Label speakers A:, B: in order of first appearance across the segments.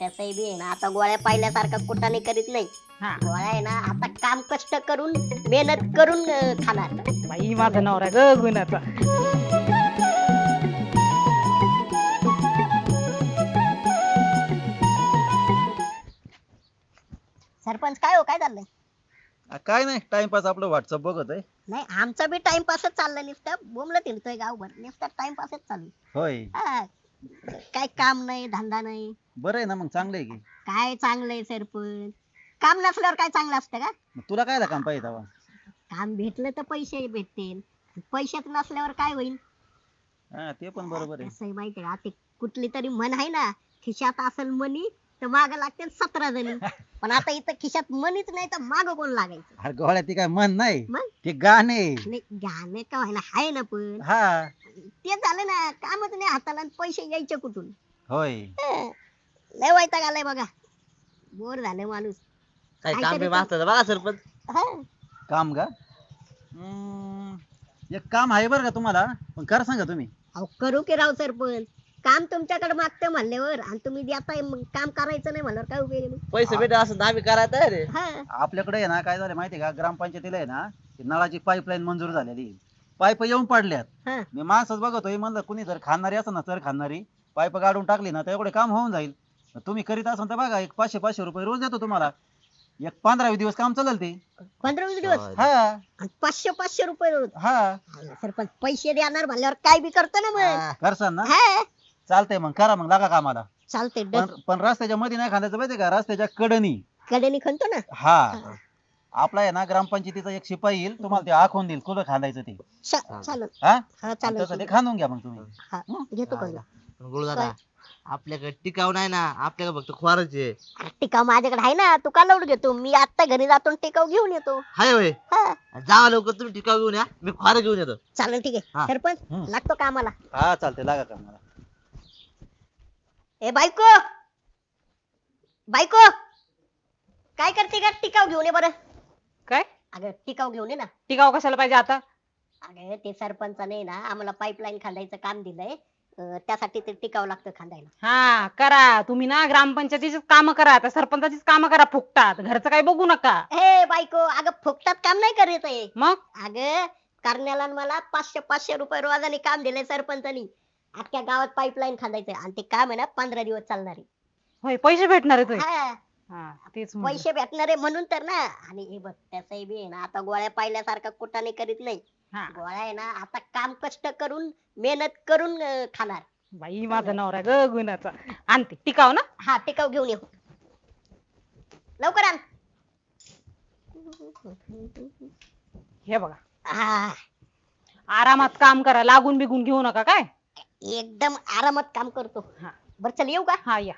A: त्याचंही बी आहे ना, आता गोळ्या पाहिल्यासारखा कुटाने करीत नाही.
B: हा
A: गोळ्या आहे ना, आता काम कष्ट करून मेहनत करून खाणार.
B: बाई माझा नवरा ग गुणाचा.
A: सरपंच काय हो, काय चाललंय?
C: काय नाही टाइमपास आपलं व्हॉट्सअप बघत आहे.
A: नाही, आमचा बी टाइमपासच चाललाय. नुसतं बोंबलं फिरतोय गावभर, नुसतं टाइमपासच चालू.
C: होय.
A: हा, काय काम नाही, धंदा नाही.
C: बरं आहे ना मग, चांगलं आहे की.
A: काय चांगलंय सरपंच? काम नसल्यावर काय चांगलं असतं का?
C: मग तुला काय काम पाहिजे तेव्हा?
A: काम भेटलं तर पैसे भेटतील. पैसेच नसल्यावर काय होईल?
C: हा ते पण बरोबर आहे.
A: कसं आहे माहितीये का, ते कुठली तरी म्हण आहे ना, खिशात असेल मनी तर माग लागतील 17 जणी. पण आता इथं खिशात मनीच नाही तर माग कोण लागायचं?
C: अरे गोळ्या ती काय मन नाही,
A: मग
C: ते गाणे.
A: नाही, गाणे का व्हायला आहे ना, पण
C: हा
A: ते झालं ना, कामच नाही हाताला आणि पैसे यायचे कुठून?
C: होय.
A: हं. लय वैताग आलाय बघा, बोर झालं माणूस.
D: काय काम
A: काहीतरी
D: बी मागतात बघा सरपंच.
A: हं.
C: काम का? एक काम आहे बरं का तुम्हाला, पण करा सांगा तुम्ही.
A: अहो करू की राव सरपंच, काम तुमच्याकडे मागते म्हणल्यावर आणि तुम्ही देताय, मग काम करायचं नाही म्हणल्यावर काय उपयोग आहे मग?
D: पैसे भेटत असं तर आम्ही करायला तयार आहे.
A: हं.
C: आपल्याकडे आहे ना, काय झालं माहितीये का, ग्रामपंचायतीला आहे ना ते नळाची पाईपलाईन मंजूर झालेली. पाईप येऊन पडल्यात.
A: हं.
C: मी माणसंच बघतोय, म्हणलं कुणी जर खाणारी असं ना, तर खाणारी पाईप काढून टाकली ना तर एवढे काम होऊन जाईल. तुम्ही करीत असाल तर बघा, एक 500 रुपये रोज देतो तुम्हाला. एक 15-20 दिवस काम चालेल ते.
A: 15-20 दिवस
C: हा
A: आणि 500 रुपये रोज.
C: हा
A: अहो, सरपंच पैसे देणार म्हणल्यावर काय बी करतो ना मग.
D: हा.
C: करसान ना.
A: हा,
C: चालतंय मग, करा मग, लागा कामाला.
A: चालते.
C: पण रस्त्याच्या मध्ये नाही खांदायचं माहितीये का, रस्त्याच्या कडनी.
A: कडेने खणतो ना.
C: हा आपला आहे ना ग्रामपंचायतीचा एक शिपाई येईल, तुम्हाला ते आखून देईल कुठं खांदायचं ते.
A: चालेल.
C: हा
A: हा
C: आणि
A: चालेल.
C: तसं ते खांदून घ्या मग तुम्ही.
A: हा, घेतो कळलं.
D: गुरुदादा आपल्याकडे टिकाव नाही ना, आपल्याकडे फक्त खोराचे
A: टिकाव माझ्याकडे आहे ना, तू का लोड घेतो? मी आता घरी जातो आणि टिकाव घेऊन येतो.
D: हाय होय.
A: हा,
D: जावा लवकर तुम्ही टिकाव घेऊन या, मी खोरा घेऊन येतो.
A: चालेल, ठीक आहे.
D: हा.
A: सरपंच
C: हम्म.
A: लागतो कामाला.
C: हा चालतंय, लागा कामाला.
A: ए बायको, बायको, काय करते का? टिकाव घेऊन ये बरं.
B: काय
A: अगं टिकाव घेऊन ये ना.
B: टिकाव कशाला पाहिजे आता?
A: अगं ते सरपंचाने ना आम्हाला पाईपलाईन खांदायचं काम दिलंय. त्यासाठी ते टिकाव लागतं खांदायला.
B: हा करा तुम्ही ना, ग्रामपंचायतीची काम करा, त्या सरपंचाचीच काम करा फुकटात, घरचं काही बघू नका.
A: हे बायको, अगं फुकटात काम नाही करायचंय.
B: मग
A: अगं करण्याला मला 500 रुपये रोजाने काम दिलंय सरपंचानी. अख्ख्या गावात पाईपलाईन खांदायचंय आणि ते काम आहे ना 15 दिवस चालणार आहे.
B: होय, पैसे भेटणार आहेत होय?
A: हा,
B: हा तेच म्हणलं.
A: पैसे भेटणार आहे म्हणून तर ना. आणि हे बघ, त्याचंही बी आहे ना, आता गोळ्या पाहिल्यासारखा कुटाने करीत नाही.
B: हा
A: गोळ्या आहे ना, आता काम कष्ट करून मेहनत करून खाणार.
B: बाई माझा नवरा ग गुणाचा. आणते टिकाव ना.
A: हा, टिकाव घेऊन ये लवकर आण.
B: हे बघा,
A: हा,
B: आरामात काम करा, लागून बिगून घेऊ नका काय.
A: एकदम आरामात काम करतो.
B: हा
A: बरं चल, येऊ का?
B: हा या.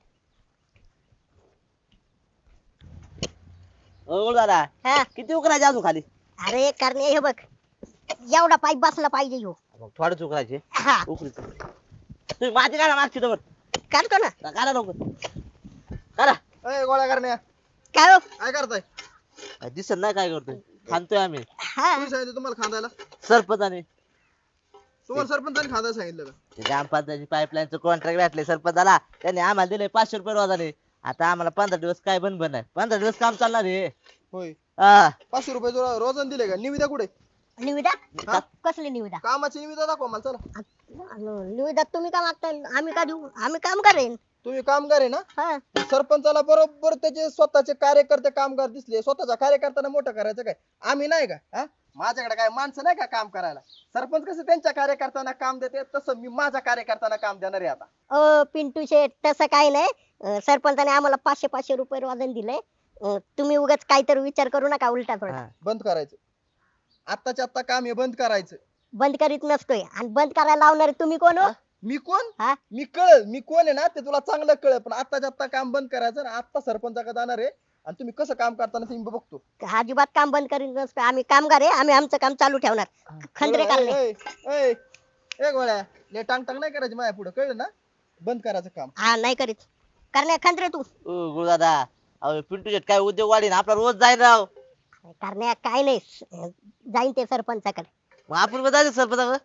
D: ओ गुरुदादा
A: हा,
D: किती उकरायचे अजून खाली?
A: अरे करणे, हे बघ, एवढा पाईप बसला पाहिजे ह्यो.
D: मग थोडेच उकरायचे.
A: हा,
D: उकरीच तुम्ही माझी काढा मागची तर
A: काढतो ना.
D: काढा लवकर काढा.
C: अय गोळ्या करण्या,
A: काय हो?
C: काय करताय?
D: काय दिसत नाही काय करतोय, खांदतोय आम्ही.
A: हा,
C: सांगितलं तुम्हाला खांदायला?
D: सरपंचाने
C: तुम्हाला सरपंचाने खांदायला सांगितलं का?
D: ते ग्रामपंचायती पाईपलाईनचं कॉन्ट्रॅक्ट भेटले सरपंचाला, त्यांनी आम्हाला दिले 500 रुपये रोजाने. आता आम्हाला 15 दिवस काय बंद नाही, 15 दिवस काम चालणार आहे.
E: होय.
D: हा.
E: 500 रुपये रोजन दिले का? निविदा कुठे?
A: निविदा?
E: हा?
A: कसली निविदा?
E: कामाची निविदा दाखवा मला, चला.
A: निविदा तुम्ही का मागताय? आम्ही का देऊ? आम्ही काम करेन.
E: तुम्ही कामगार आहे ना?
A: हा,
E: सरपंचाला बरोबर त्याचे स्वतःचे कार्यकर्ते कामगार दिसले, स्वतःच्या कार्यकर्त्यांना मोठं करायचं काय? आम्ही नाही का? हा? माझ्याकडे काय माणसं नाही का काम करायला? सरपंच कसं त्यांच्या कार्यकर्त्यांना काम देते, तसं मी माझ्या कार्यकर्त्यांना काम देणार आहे आता.
A: पिंटू शेठ, तसं काही नाही. सरपंचाने आम्हाला 500 रुपये रोजन दिलंय. तुम्ही उगाच काहीतरी विचार करू नका उलटा थोडा.
D: हा.
E: बंद करायचं. आत्ताच्या आत्ता काम हे बंद करायचं.
A: बंद करीत नसतोय आणि बंद करायला लावणारे तुम्ही कोण हो?
E: मी कोण?
A: हा?
E: मी कोण आहे ना ते तुला चांगलं कळलं, पण आत्ताच्या आत्ता काम बंद करायचं आणि आत्ता सरपंचाकडे जाणार आहे आणि तुम्ही कसं काम करताना ते मी बघतो.
A: अजिबात काम बंद करीत नसतोय. आम्ही कामगार आहे, आम्ही आमचं काम चालू ठेवणार. खंदरे करणे.
E: ए गोळ्या, ले टांग टांग नाही करायची माझ्या पुढे, कळलं ना? बंद करायचं काम.
A: हा, नाही करीत. करण्या खंदरे तू.
D: ओ गुरुदादा, अहो पिंटू शेट काय उद्योग वाढीन, आपला रोज जाईल राव.
A: करण्या काय नाही, जाईन ते सरपंचाकडे.
D: मग आपण पण जायचं सरपंचाकडे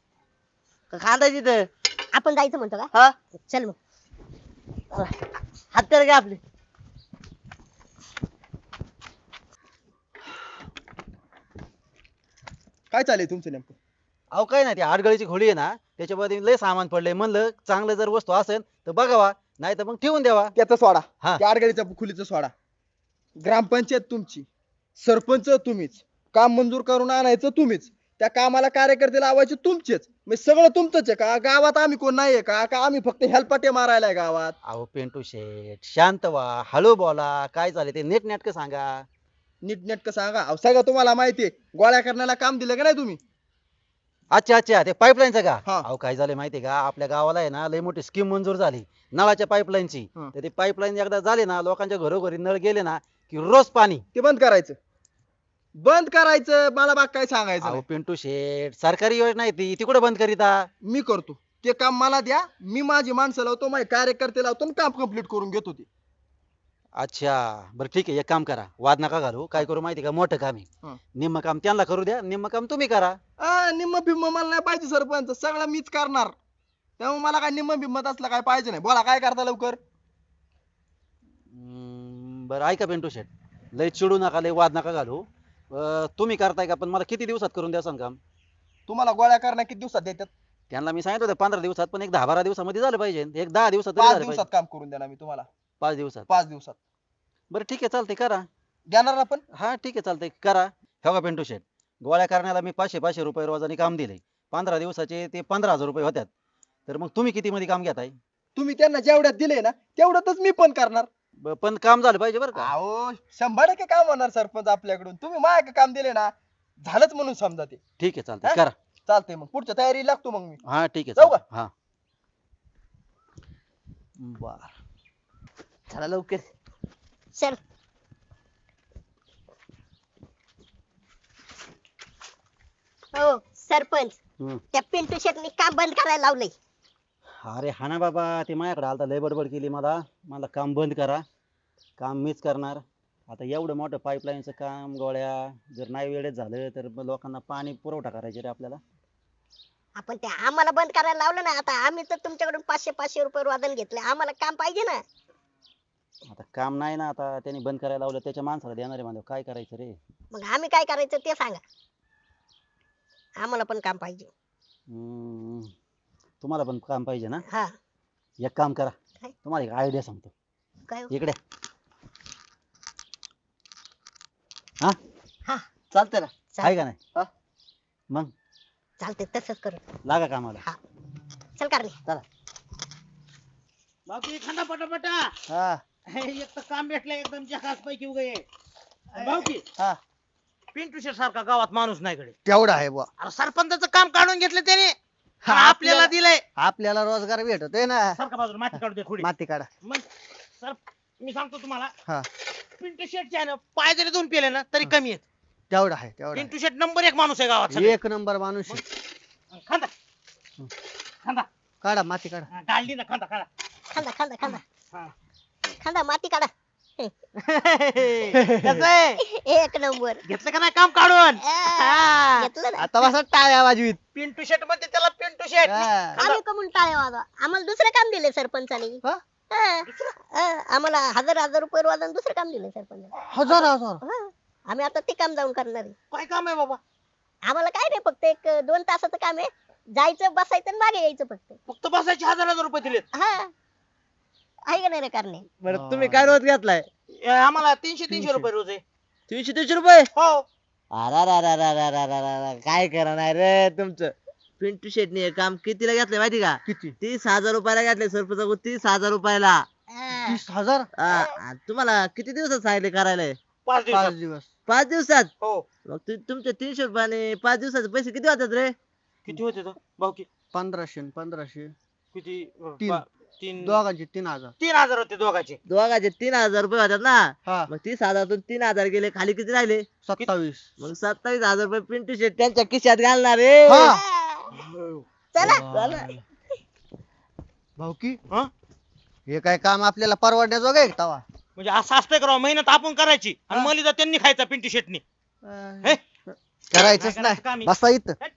D: का खांदायची तर?
A: आपण जायचं म्हणतो का?
D: हा
A: चल मग.
D: हत्यार घ्या आपली.
E: काय चालेल तुमचं नेमकं?
C: अहो काय नाही ती आडगळीची खोली आहे ना त्याच्यामध्ये लय सामान पडलंय म्हणलं चांगलं जर वस्तू असेल तर बघावा नाही तर मग ठेवून द्यावा.
E: त्याचा सोडा,
C: हा.
E: त्या अडगळीचा खोलीचा सोडा. ग्रामपंचायत तुमची, सरपंच तुम्हीच, काम मंजूर करून आणायचं तुम्हीच, त्या कामाला कार्यकर्ते लावायचे तुमचेच. म्हणजे सगळं तुमचंच आहे का? गावात आम्ही कोण नाहीये का? का आम्ही फक्त हेलपाटे मारायला गावात?
C: अहो पिंटू शेठ शांत व्हा हळू बोला काय झाले ते नीट नेटकं सांगा.
E: नीटनेटकं सांगा. अहो, सगळं तुम्हाला माहितीये. गोळ्या करण्याला काम दिलं का नाही तुम्ही?
C: अच्छा अच्छा ते पाईपलाईनचं का?
E: हा.
C: अहो काय झालं माहितीये का आपल्या गावाला आहे ना लय मोठी स्कीम मंजूर झाली नळाच्या पाईपलाईनची.
E: हा.
C: तर ती पाईपलाईन एकदा झाली ना लोकांच्या घरोघरी नळ गेले ना की रोज पाणी.
E: ते बंद करायचं, बंद करायचं. मला बाग काय सांगायचं
C: अहो
E: नाही.
C: पिंटू शेठ सरकारी योजना आहे ती कुठे बंद करीता.
E: मी करतो ते काम. मला द्या, मी माझी माणसं लावतो, माझे कार्यकर्ते लावतो आणि काम कम्प्लीट करून घेतो ते.
C: अच्छा बरं ठीक आहे एक काम करा वाद नका घालू काय करू माहिती का मोठं काम
E: हा.
C: आहे निम्म काम त्यांना करू द्या निम्म काम तुम्ही करा.
E: निम्म बिम्म मला नाही पाहिजे सरपंच, सगळं मीच करणार. त्यामुळे मला काय निम्म बिम्मत असलं काय पाहिजे नाही. बोला काय करता लवकर.
C: बरं ऐका पिंटू शेठ लय चिडू नका लय वाद नका घालू. तुम्ही करताय का पण मला किती दिवसात करून द्या सांग काम.
E: तुम्हाला गोळ्या करण्या किती दिवसात देतात?
C: त्यांना मी सांगितलं होतं 15 दिवसात पण एक 10-12 दिवसामध्ये झालं पाहिजे एक 10 दिवसात तरी
E: 5
C: झालं
E: दिवसात
C: पाहिजे.
E: काम करून देणार मी तुम्हाला.
C: 5 दिवसात
E: 5 दिवसात
C: बरं ठीक आहे चालतंय करा.
E: देणार ना? पण
C: हा ठीक आहे चालतंय करा. हो का पिंटू शेठ गोळ्या करण्याला मी 500 रुपये रोजाने काम दिले 15 दिवसाचे ते 15,000 रुपये होत्यात. तर मग तुम्ही किती मध्ये काम घेताय.
E: तुम्ही त्यांना जेवढ्यात दिले ना तेवढ्यातच मी पण करणार.
C: पण काम झालं पाहिजे बरं का.
E: अहो 100% काम होणार सरपंच आपल्याकडून. तुम्ही माझ्या काम दिले ना झालंच म्हणून समजा ते.
C: ठीक आहे चालतंय
E: हा?
C: करा.
E: चालतंय मग पुढच्या तयारी लागतो मग मी.
C: हा ठीक आहे
E: जाऊ का?
C: चालतंय. हा बर
D: चला लवकर.
A: चल. हो सरपंच,
C: हम्म.
A: त्या पिंटू शेटनी काम बंद करायला लावलंय.
C: अरे हा ना बाबा ते माझ्याकडे आलता लय बडबड केली मला मला काम बंद करा काम मीच करणार. आता एवढं मोठं पाईपलाईनचं काम गोळ्या जर नाही वेळेत झालं तर मग लोकांना पाणी पुरवठा करायचे रे आपल्याला.
A: आपण ते आम्हाला बंद करायला लावलं ना. आता आम्ही तर तुमच्याकडून 500 रुपये वादन घेतले. आम्हाला काम पाहिजे ना.
C: आता काम नाही ना आता त्यांनी बंद करायला लावलं त्याच्या माणसाला देणार आहे म्हणजे काय करायचं रे.
A: मग आम्ही काय करायचं ते सांगा. आम्हाला पण काम पाहिजे.
C: हम्म. तुम्हाला पण काम पाहिजे ना.
A: हा.
C: एक काम करा
A: काय?
C: तुम्हाला एक आयडिया सांगतो
A: काय हो?
C: इकडे. हा
A: हा
D: चालतंय ना.
C: आहे का नाही
D: हा.
C: मग
A: चालते तसंच करू.
C: लागा कामाला.
A: हा चल कारणे.
D: चला.
F: बाकी खाना पटापटा
D: हा
F: एक तर काम भेटलं एकदम जहाज पैकी उगे भाऊकी
D: हा
F: पिंटू शेट सारखा गावात माणूस नाही कडे.
D: तेवढा आहे बुवा.
F: अरे सरपंचाचं काम काढून घेतलं त्याने
D: हा,
F: आणि आपल्याला दिलंय.
D: आपल्याला रोजगार भेटतोय ना.
F: सारखा बाजूला माती काढू दे थोडी.
D: माती काढा.
F: मग सर मी सांगतो तुम्हाला
D: हा
F: पिंटू शेटचे आहे ना पाय जरी दोन पेले ना तरी कमी आहेत.
D: तेवढा आहे तेवढा
F: पिंटू शेट नंबर 1 माणूस आहे गावात
D: आहे.
F: सगळ्यात.
D: एक नंबर माणूस आहे.
F: खांदा खांदा
D: काढा माती काढा.
F: हा, काढली ना खांदा काढा.
A: खांदा खांदा खांदा
F: हा.
A: खांदा माती काढा.
F: कसं आहे?
A: एक नंबर.
F: घेतलं का नाही काम काढून.
A: आ, घेतलं ना.
D: आता बसा टाळ्या वाजवीत.
F: पिंटू शेट म्हणते त्याला पिंटू शेट.
D: हा.
A: आम्ही कमून टाळे वाजवा. आम्हाला दुसरं काम दिले सरपंचाने.
D: हा?
A: आम्हाला 1000 रुपये वाजून दुसरं काम दिलं सरपंचाने.
D: हजार हजार.
A: आम्ही आता ते काम जाऊन करणार आहे.
F: काय काम आहे बाबा.
A: आम्हाला काय नाही फक्त 1-2 तासाचं काम आहे. जायचं बसायचं आणि मागे यायचं फक्त.
F: फक्त बसायचे 1000 रुपये दिलेत.
A: हा आहे का नाही रे कारणे.
D: बरं तुम्ही काय रोज घेतलाय.
F: आम्हाला 300 रुपये रोज आहे.
D: 300 रुपये.
F: हो
D: अरे काय करा नाही रे तुमचं. पिंटू शेटने हे काम कितीला घेतलंय माहिती का.
E: किती?
D: 30,000 रुपयाला घेतलंय सरपंच. 30,000 रुपयाला.
A: हा.
E: 30,000?
D: आणि तुम्हाला किती दिवसात सांगितले करायला.
F: 5 दिवसात.
E: दिवस.
D: 5 दिवसात.
F: हो
D: मग तुमच्या 300 रुपयाने 5 दिवसाचे पैसे किती होतात रे.
F: किती होते तो भाऊकी
E: 1500
F: किती
E: तीन.
F: 3
E: दोघांचे 3,000.
F: 3000 होते दोघाचे.
D: दोघाचे 3,000 रुपये होतात ना.
E: हा
D: मग 30,000तून 3,000 गेले खाली किती राहिले.
E: 27.
D: मग 27,000 रुपये पिंटू शेट त्यांच्या खिशात घालणार रे.
E: हा.
A: चला.
D: चला.
E: भाऊकी
F: हा?
E: हे काय काम आपल्याला परवडण्याजोगं आहे का तवा.
F: म्हणजे असं असतंय करावं मेहनत आपण करायची आणि मलिदा त्यांनी खायचा पिंटू शेटनी. हे?
E: करायचंच
F: काय करायचं काम
E: नाही.
F: आहे?
E: बसा इथं.
F: हट.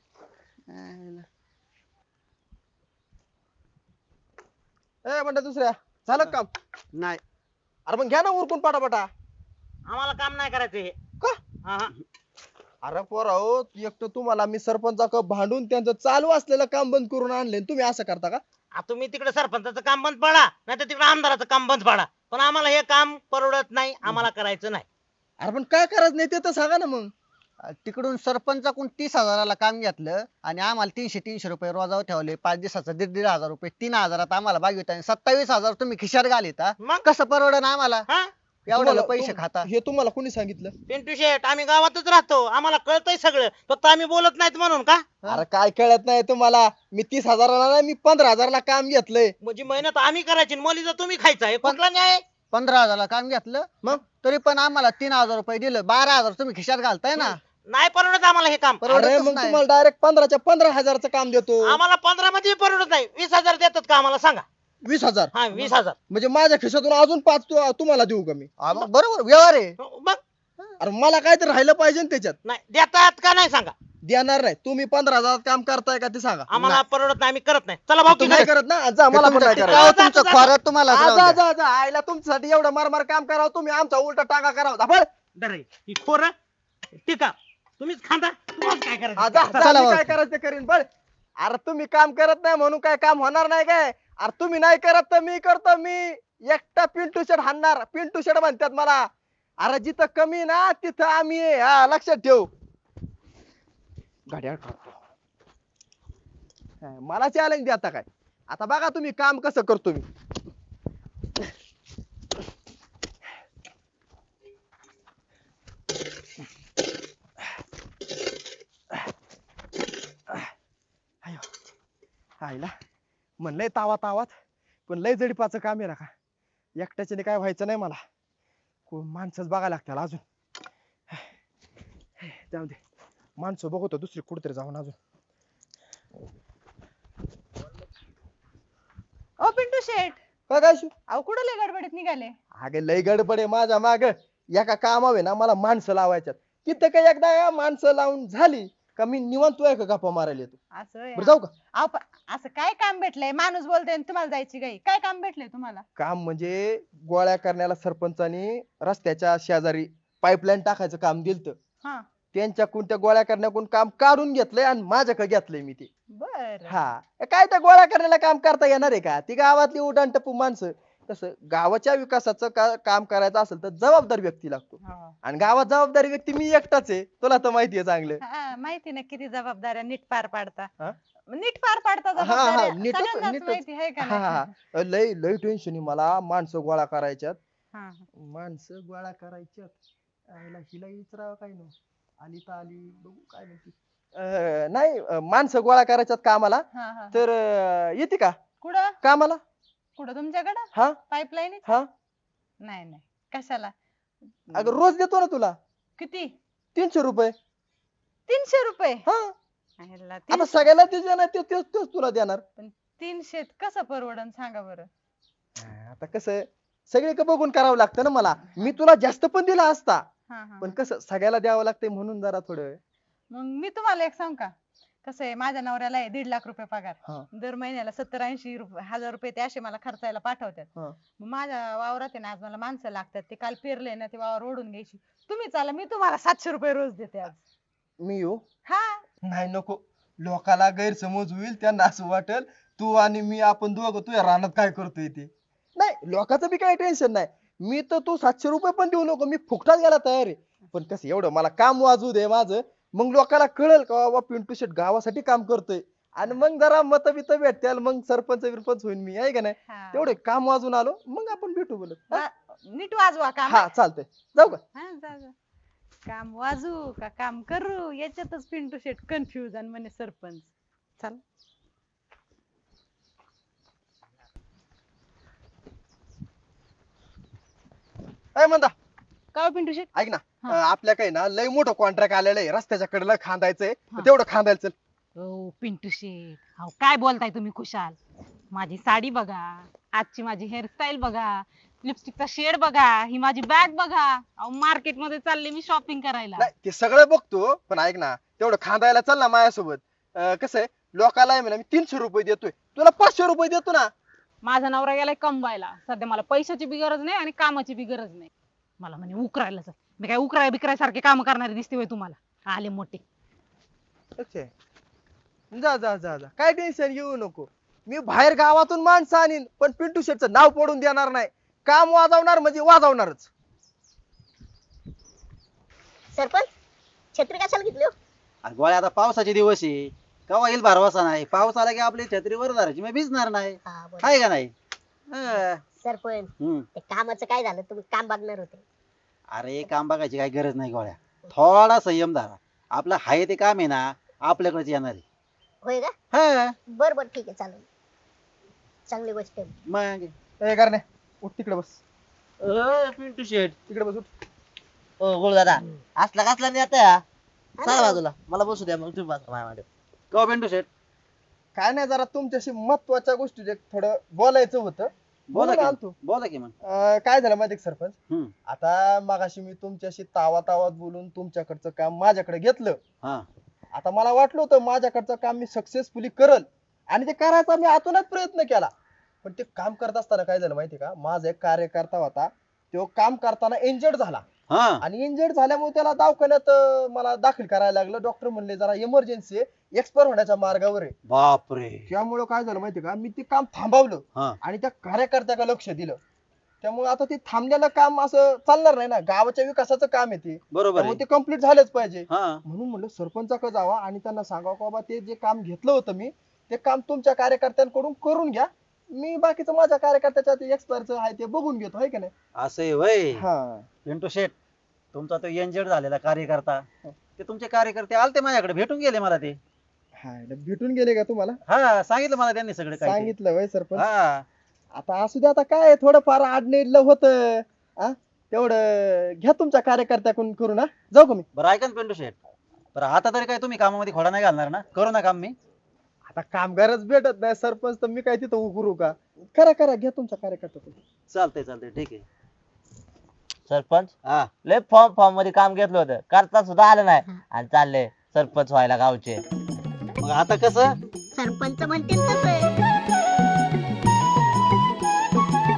E: ए म्हणता दुसऱ्या झालं का काम.
G: नाही
E: अरे मग घ्या ना उरकून पटापटा.
F: आम्हाला काम नाही करायचं हे.
E: का?
F: हा, हा.
E: अरे पोराओ, एक तर तुम्हाला मी सरपंचाक भांडून त्यांचं चालू असलेलं काम बंद करून आणले, तुम्ही असं करता का?
F: तुम्ही तिकडे सरपंचाचं काम बंद पाडा नाही तर तिकडे आमदाराचं काम बंद पाडा, पण आम्हाला हे काम परवडत नाही, आम्हाला करायचं नाही.
E: अरे पण काय करायचं नाही ते तर सांगा ना मग.
G: तिकडून सरपंचाकडून 30,000ला काम घेतलं आणि आम्हाला 300 रुपये रोजावर ठेवले. 5 दिवसाचा 1,500 रुपये, 3,000 आम्हाला बागवित आणि 27,000 तुम्ही खिशात घालिता.
F: मग
G: कसं परवडन आम्हाला
F: हा
G: एवढ्याला
E: तुम्हाला-
G: पैसे खाता?
E: हे तुम्हाला कोणी सांगितलं?
F: पिंटू शेठ, आम्ही गावातच राहतो, आम्हाला कळतंय सगळं, फक्त आम्ही बोलत नाहीत म्हणून का?
E: अरे काय कळत नाही तुम्हाला? मी 30,000ला नाही, मी 15,000ला काम घेतलंय.
F: म्हणजे मेहनत आम्ही करायची आणि मलिदा तुम्ही खायचा, हे कुठला न्याय?
G: 15,000ला काम घेतलं
E: मग?
G: तरी पण आम्हाला 3,000 रुपये दिलं. 12,000 तुम्ही खिशात घालताय ना.
F: नाही परवडत आम्हाला हे काम.
G: परवडतच
E: अरे मग
G: नाही.
E: तुम्हाला डायरेक्ट 15च्या 15,000चं काम देतो.
F: आम्हाला 15 मध्ये परवडत नाही. 20,000 देतात का आम्हाला सांगा?
E: 20,000
F: हा 20,000.
E: म्हणजे माझ्या खिशातून अजून 5 तुम्हाला देऊ का मी?
G: मग बरोबर व्यवहार आहे.
F: मग
E: अरे मला काय तर राहिलं पाहिजे ना त्याच्यात.
F: नाही देतात का नाही सांगा?
E: देणार नाही. तुम्ही 15,000 काम करताय का ते सांगा.
F: आम्हाला परवडत नाही, आम्ही करत नाही. चला भाऊ,
E: तुम्ही नाही करत ना, जा मला पण नाही
G: तुमचं
E: करायचं.
G: टिकाव, तुमचं खोरं तुम्हाला
E: जा
G: राहू
E: जा
G: द्या.
E: जा जा. आईला तुमच्यासाठी एवढं मारमार काम करावं, तुम्ही आमचा उलटा टाका करावं. धापळ.
F: ही खोर टिका तुम्हीच खांदा, तुम्हाला काय
E: हा,
F: करायचं?
E: जा, जा,
G: चला
E: मी
G: भाऊ.
E: काय करायचं ते करीन. बळ. अरे तुम्ही काम करत नाही म्हणून काय काम होणार नाही काय? अरे तुम्ही नाही करत तर मी करतो. मी एकटा पिंटू शेड हाणणार. पिंटू शेड म्हणतात मला. अरे जिथं कमी ना तिथं आम्ही आहे. हा, लक्षात ठेव. घड्याळ काढतो. हा, मला चॅलेंज द्या आता काय. आता बघा तुम्ही काम कसं करतो मी. आयो. आईला म्हणलंय तावा तावात, पण लय जडीपाचं काम आहे का. एकट्याच्याने काय व्हायचं नाही मला. कोण माणसंच बघायला लागतील अजून. जाऊ दे, माणसं बघतो दुसरी कुठेतरी जाऊन अजून.
H: ओ पिंटू शेठ,
E: काय काय शू?
H: अहो कुठं लय गडबडीत निघाले?
E: अगे लय गडबड आहे माझ्या माग. एका कामावे ना मला माणसं लावायच्यात. तिथं काय एकदा माणसं लावून झाली का मी निवांत तू का गप्पा मारायला येतो.
H: असं आहे.
E: बरं जाऊ का?
H: अहो, असं काय काम भेटलंय? माणूस बोलतोय आणि तुम्हाला जायची गाई. काय काम भेटलंय तुम्हाला?
E: काम म्हणजे गोळ्या करण्याला सरपंचानी रस्त्याच्या शेजारी पाईपलाईन टाकायचं काम दिलत.
H: हा
E: त्यांच्याकडून त्या गोळ्या करण्याकडून काम काढून घेतलंय आणि माझ्याकडे घेतलंय मी ते.
H: बर.
E: हा, काय त्या गोळ्या करण्याला काम करता येणार आहे का? ती गावातली उडाण टप्पू माणसं. तसं गावाच्या विकासाचं काम करायचं असेल तर जबाबदार व्यक्ती लागतो. आणि गावात जबाबदारी व्यक्ती मी एकटाच आहे. तुला तर माहिती आहे चांगलं.
H: माहिती ना किती जबाबदाऱ्या नीट पार पाडता.
E: हा?
H: नीट पार पाडता
E: हा, हा,
H: जबाबदाऱ्या.
E: नीटच-
H: सगळ्यांनाच
E: नीटच.
H: माहिती आहे का
E: हा,
H: नाही?
E: हा. लय लय टेन्शन आहे मला. माणसं गोळा करायच्यात.
H: हा.
E: माणसं गोळा करायच्यात. आईला हिला विचारावं काय नाही. आली तर आली, बघू काय म्हणते. नाही, माणसं गोळा करायच्यात कामाला.
H: हा, हा.
E: तर येते का
H: कुठं
E: कामाला?
H: कुठं तुमच्याकडं?
E: हा
H: पाईपलाईन?
E: हा.
H: नाही नाही, कशाला?
E: अगं रोज देतो ना तुला
H: किती?
E: 300 रुपये.
H: 300 रुपये?
E: हा,
H: ह्याला
E: आता
H: 300
E: सगळ्याला ते देणार तेच तुला देणार.
H: 300 कसं परवडन सांगा बरं?
E: आता कसं सगळे बघून करावं लागतं ना मला. मी तुला जास्त पण दिला असता,
H: हा हा.
E: पण कसं सगळ्याला द्यावं लागतंय म्हणून जरा थोडं.
H: मग मी तुम्हाला एक सांग का, कसं आहे, माझ्या नवऱ्याला आहे 1.5 लाख रुपये पगार.
E: हा.
H: दर महिन्याला 70-80 हजार रुपये ते असे मला खर्चायला पाठवतात.
E: हा.
H: मग माझ्या वावरात आहे ना, आज मला माणसं लागतात. ते काल पेरले ना, ते वावर ओढून घ्यायची. तुम्ही चाला, मी तुम्हाला 700 रुपये रोज देते आज.
E: मी येऊ?
H: हा.
E: नाही नको. लोकाला गैरसमज होईल. त्यांना असं वाटेल तू आणि मी आपण दोघं तुझ्या रानात काय करतोय ते. नाही, लोकांचं बी काही टेन्शन नाही. मी तर तू 700 रुपये पण देऊ नको. मी फुकटात गेला तयार आहे. पण कसं एवढं मला काम वाजू दे माझं. मग लोकांना कळेल का बाबा पिंटू शेट गावासाठी काम करतोय. आणि मग जरा मत बित भेटतील. मग सरपंच होईन मी, आहे का नाही.
H: हा.
E: तेवढे काम वाजून आलो मग आपण भेटू बोलत. हा?
H: नीट वाजवा काम.
E: हा चालतंय, जाऊ का?
H: हा, जा जा. काम वाजू का काम करू याच्यातच पिंटू शेट कन्फ्युज आणि म्हणे सरपंच. चल.
E: काय म्हणता?
H: का पिंटू शेट?
E: ऐक ना,
H: हा.
E: आपल्या काही ना लय मोठं कॉन्ट्रॅक्ट आलेलं आहे. रस्त्याच्या कडेला खांदायचंय.
H: हा.
E: तेवढं खांदायचं.
B: ओ पिंटू शेठ, अहो काय बोलताय तुम्ही खुशाल. माझी साडी बघा, आजची माझी हेअरस्टाईल बघा, लिपस्टिकचा शेड बघा, ही माझी बॅग बघा. अहो मार्केट मध्ये चालले मी शॉपिंग करायला.
E: नाही ते सगळं बघतो, पण ऐक ना तेवढं खांदायला चल ना माझ्यासोबत. कसं आहे, लोकाला आहे म्हणा मी 300 रुपये देतोय, तुला 500 रुपये देतो ना.
B: माझा नवरा गेलाय कमवायला. सध्या मला पैशाची बी गरज नाही आणि कामाची बी गरज नाही. मला म्हणे उकरायला जा. मी काय उकराय बिकराय सारखे काम करणारी दिसते होय तुम्हाला? आले मोठे.
E: अच्छा. जा जा जा जा, काय टेन्शन घेऊ नको. मी बाहेर गावातून माणसं आणीन पण पिंटू शेटचं नाव पडून देणार नाही. काम वाजवणार म्हणजे वाजवणारच.
A: सरपंच छत्री कशाला घेतली हो?
C: अरे गोळ्या आता पावसाचे दिवस आहे, केव्हा येईल भरवसा नाही. पाऊस आला की आपली छत्रीवर धरायची, मग भिजणार नाही.
A: हा बरं.
C: आहे का नाही? हा.
A: सरपंच
C: हम्म.
A: ते कामाचं काय झालं? तुम्ही काम बघणार होते.
C: अरे काम बघायची काही गरज नाही गोळ्या. थोडा संयम धरा. आपलं हाय ते काम आहे ना आपल्याकडेच येणार आहे.
A: होय का?
C: हा
A: बर बर ठीक आहे चालेल. चांगली गोष्ट आहे.
C: मग
E: ए करणे, उठ तिकडे बस.
D: पिंटू शेट.
E: तिकडे बस उठ.
D: ओ गोळ दादा, असला कसला नाही आता. चला बाजूला, मला बसू द्या मग तुम्ही बसा माझ्या मागे.
C: का पिंटू शेट?
E: काय नाही, जरा तुमच्याशी महत्वाच्या गोष्टी थोडं बोलायचं होतं.
C: बोला
E: बोला
C: की
E: तू.
C: बोला की मग.
E: काय झालं माहिती का सरपंच?
C: हम्म.
E: आता मगाशी मी तुमच्याशी तावात बोलून तुमच्याकडचं काम माझ्याकडे घेतलं.
C: हा
E: आता मला वाटलं होतं माझ्याकडचं काम मी सक्सेसफुली करल आणि ते करायचा मी आतूनच प्रयत्न केला. पण ते काम करत असताना काय झालं माहिती का, माझा एक कार्यकर्ता होता, तो काम करताना इंजर्ड झाला.
C: हा
E: आणि इंजर्ड झाल्यामुळे त्याला दवाखान्यात मला दाखल करायला लागलं. डॉक्टर म्हणले जरा इमर्जन्सी आहे, एक्सपायर होण्याच्या मार्गावर आहे.
C: बापरे.
E: त्यामुळे काय झालं माहिती का, मी ते काम थांबवलं
C: हा
E: आणि त्या कार्यकर्त्याकडे लक्ष दिलं. त्यामुळे आता ते थांबलेलं काम असं चालणार नाही ना, गावाच्या विकासाचं काम आहे ते.
C: बरोबर
E: त्यामुळे
C: आहे.
E: ते कम्प्लीट झालंच पाहिजे.
C: हा
E: म्हणून म्हणलं सरपंचाकडे जावा आणि त्यांना सांगावं की बाबा ते जे काम घेतलं होतं मी, ते काम तुमच्या कार्यकर्त्यांकडून करून घ्या. मी बाकीचं माझ्या कार्यकर्त्याच्या ते एक्सपायरचं आहे ते बघून घेतो, आहे का नाही?
C: असं आहे वय.
E: हा.
C: पिंटू शेट, तुमचा तो इंजर्ड झालेला कार्यकर्ता, ते तुमचे कार्यकर्ते आलते माझ्याकडे, भेटून गेले मला ते.
E: हा भेटून गेले का तुम्हाला?
C: हा सांगितलं मला त्यांनी सगळं काही ते.
E: सांगितलं वय सरपंच.
C: हा
E: आता असू दे, आता काय थोडंफार आडनेडलं होतं. तेवढं घ्या तुमच्या कार्यकर्त्याकडून करून. जाऊ का मी?
C: बरं ऐका ना पिंटू शेट, बरं आता तरी काय तुम्ही कामामध्ये खोडा नाही घालणार ना? करू ना काम मी.
E: आता कामगारच भेटत नाही सरपंच, तर मी काय तिथं उकरू का? करा करा, घ्या तुमच्या कार्यकर्त्याकडून.
C: चालतंय चालतंय ठीक आहे.
D: सरपंच
C: हा
D: लय फॉर्म मध्ये काम घेतलं होतं, करता सुद्धा आलं नाही आणि चालले सरपंच व्हायला गावचे.
C: मग आता कसं?
A: सरपंच म्हणतील तसं.